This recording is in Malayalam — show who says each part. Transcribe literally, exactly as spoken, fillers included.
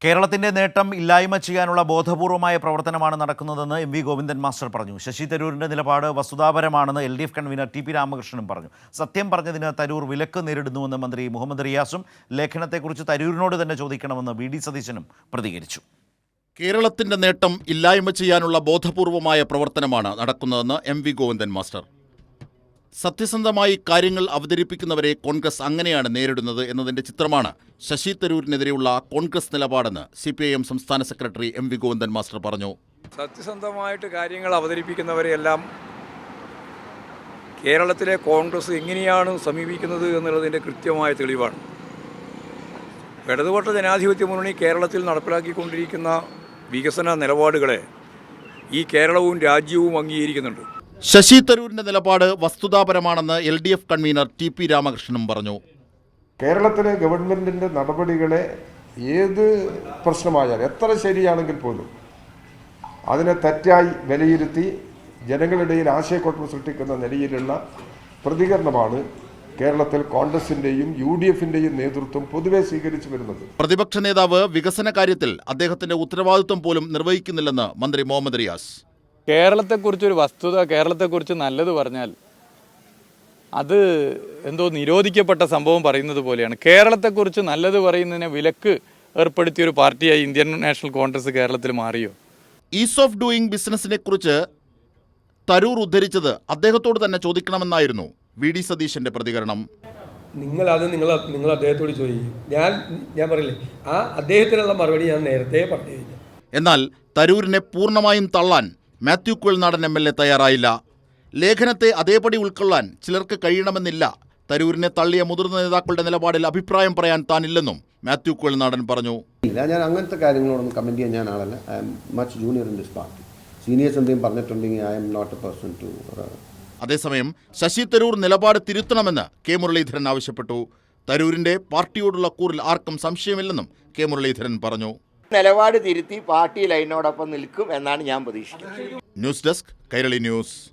Speaker 1: കേരളത്തിന്റെ നേട്ടം ഇല്ലായ്മ ചെയ്യാനുള്ള ബോധപൂർവമായ പ്രവർത്തനമാണ് നടക്കുന്നതെന്ന് എം വി ഗോവിന്ദൻ മാസ്റ്റർ പറഞ്ഞു. ശശി തരൂരിന്റെ നിലപാട് വസ്തുതാപരമാണെന്ന് L D F convener T P രാമകൃഷ്ണനും പറഞ്ഞു. സത്യം പറഞ്ഞതിന് തരൂർ വിലക്ക് നേരിടുന്നുവെന്ന് മന്ത്രി മുഹമ്മദ് റിയാസും ലേഖനത്തെക്കുറിച്ച് തരൂരിനോട് തന്നെ ചോദിക്കണമെന്ന് വി ഡി സതീശനും പ്രതികരിച്ചു.
Speaker 2: കേരളത്തിന്റെ നേട്ടം ഇല്ലായ്മ ചെയ്യാനുള്ള ബോധപൂർവമായ പ്രവർത്തനമാണ് നടക്കുന്നതെന്ന് എം വി ഗോവിന്ദൻ മാസ്റ്റർ. സത്യസന്ധമായി കാര്യങ്ങൾ അവതരിപ്പിക്കുന്നവരെ കോൺഗ്രസ് അങ്ങനെയാണ് നേരിടുന്നത് എന്നതിന്റെ ചിത്രമാണ് ശശി തരൂരിനെതിരെയുള്ള കോൺഗ്രസ് നിലപാടെന്ന് സി പി ഐ എം സംസ്ഥാന secretary M V Govindan master പറഞ്ഞു.
Speaker 3: സത്യസന്ധമായിട്ട് കാര്യങ്ങൾ അവതരിപ്പിക്കുന്നവരെയെല്ലാം കേരളത്തിലെ കോൺഗ്രസ് എങ്ങനെയാണ് സമീപിക്കുന്നത് എന്നുള്ളതിൻ്റെ കൃത്യമായ തെളിവാണ്. ഇടതുപക്ഷ ജനാധിപത്യ മുന്നണി കേരളത്തിൽ നടപ്പിലാക്കിക്കൊണ്ടിരിക്കുന്ന വികസന നിലപാടുകളെ ഈ കേരളവും രാജ്യവും അംഗീകരിക്കുന്നുണ്ട്.
Speaker 2: ശശി തരൂരിന്റെ നിലപാട് വസ്തുതാപരമാണെന്ന് L D F convener T P രാമകൃഷ്ണനും പറഞ്ഞു.
Speaker 4: കേരളത്തിലെ ഗവൺമെൻറ്റിൻ്റെ നടപടികളെ ഏത് പ്രശ്നമായാലും എത്ര ശരിയാണെങ്കിൽ പോലും അതിനെ തെറ്റായി വിലയിരുത്തി ജനങ്ങളിടയിൽ ആശയക്കുഴപ്പം സൃഷ്ടിക്കുന്ന നിലയിലുള്ള പ്രതികരണമാണ് കേരളത്തിൽ കോൺഗ്രസിന്റെയും യു ഡി എഫിന്റെയും നേതൃത്വം പൊതുവെ സ്വീകരിച്ചു വരുന്നത്.
Speaker 2: പ്രതിപക്ഷ നേതാവ് വികസന കാര്യത്തിൽ അദ്ദേഹത്തിന്റെ ഉത്തരവാദിത്വം പോലും നിർവഹിക്കുന്നില്ലെന്ന് മന്ത്രി മുഹമ്മദ് റിയാസ്.
Speaker 5: കേരളത്തെക്കുറിച്ചൊരു വസ്തുത, കേരളത്തെക്കുറിച്ച് നല്ലത് പറഞ്ഞാൽ അത് എന്തോ നിരോധിക്കപ്പെട്ട സംഭവം പറയുന്നത് പോലെയാണ്. കേരളത്തെക്കുറിച്ച് നല്ലത് പറയുന്നതിനെ വിലക്ക് ഏർപ്പെടുത്തിയൊരു പാർട്ടിയായി ഇന്ത്യൻ നാഷണൽ കോൺഗ്രസ് കേരളത്തിൽ മാറിയോ?
Speaker 2: ഈസ് ഓഫ് ഡൂയിങ് ബിസിനസിനെ കുറിച്ച് തരൂർ ഉദ്ധരിച്ചത് അദ്ദേഹത്തോട് തന്നെ ചോദിക്കണമെന്നായിരുന്നു വി ഡി സതീശന്റെ പ്രതികരണം.
Speaker 6: നിങ്ങൾ അത് നിങ്ങൾ നിങ്ങൾ അദ്ദേഹത്തോട് ചോദിക്കും. ഞാൻ ഞാൻ പറയില്ലേ, ആ അദ്ദേഹത്തിനുള്ള മറുപടി ഞാൻ നേരത്തെ പറഞ്ഞു കഴിഞ്ഞു.
Speaker 2: എന്നാൽ തരൂരിനെ പൂർണ്ണമായും തള്ളാൻ Mathew Kuzhalnadan M L A തയ്യാറായില്ല. ലേഖനത്തെ അതേപടി ഉൾക്കൊള്ളാൻ ചിലർക്ക് കഴിയണമെന്നില്ല. തരൂരിനെ തള്ളിയ മുതിർന്ന നേതാക്കളുടെ നിലപാടിൽ അഭിപ്രായം പറയാൻ താനില്ലെന്നും മാത്യു കുഴൽനാടൻ പറഞ്ഞു.
Speaker 7: ഞാൻ അങ്ങനത്തെ കാര്യങ്ങളോടൊന്നും കമന്റ് ചെയ്യാൻ ഞാൻ ആളല്ല. I am much junior in this party. Seniors എന്തെങ്കിലും പറഞ്ഞിട്ടുണ്ടെങ്കിൽ I am not a person to.
Speaker 2: അതേസമയം ശശി തരൂർ നിലപാട് തിരുത്തണമെന്ന് കെ മുരളീധരൻ ആവശ്യപ്പെട്ടു. തരൂരിന്റെ പാർട്ടിയോടുള്ള കൂറിൽ ആർക്കും സംശയമില്ലെന്നും കെ മുരളീധരൻ പറഞ്ഞു.
Speaker 8: നിലപാട് തിരുത്തി പാർട്ടി ലൈനോടൊപ്പം നിൽക്കും എന്നാണ് ഞാൻ പ്രതീക്ഷിക്കുന്നത്.
Speaker 2: News desk Kairali news.